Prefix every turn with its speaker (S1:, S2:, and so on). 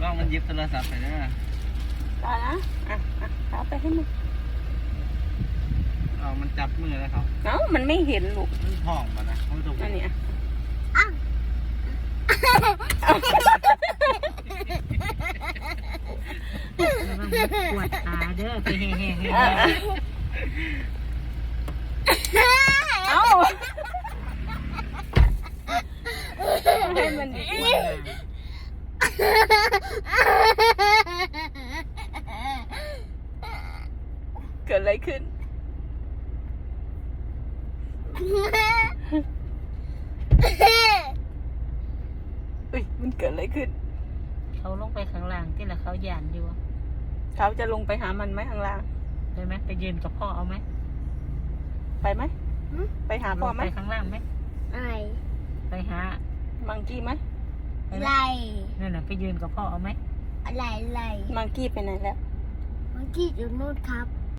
S1: ล้องมันยิบโทรศัพท์ไปเด้อ
S2: ได้นะเอาไปให้มัน
S1: มันจับมือแล้วเขา
S2: มันไม่เห็นลูก
S1: มันท้องมานะเขาถูก
S2: อันนี้
S3: ปวดขาเด้อไปแห่
S2: ให้มันดีเกิดอะไรขึ้นมันเกิดอะไรขึ้น
S3: เขาลงไปข้างล่างที่ละเขาหยานอยู่
S2: เขาจะลงไปหามันไหมข้างล่าง
S3: ได้ไหมไปยืนกับพ่อเอาไหม
S2: ไปไหมไปหาพ่อไหม
S3: ไปข้างล่างไหมไปหา
S2: มังกี้ไหม
S4: ไร
S3: นั่นน่ะไปยืนกับพ่อเอาไหม
S4: อะไร
S2: มังกี้ไปไหนแล้ว
S4: มังกี้อยู่นู่นครับ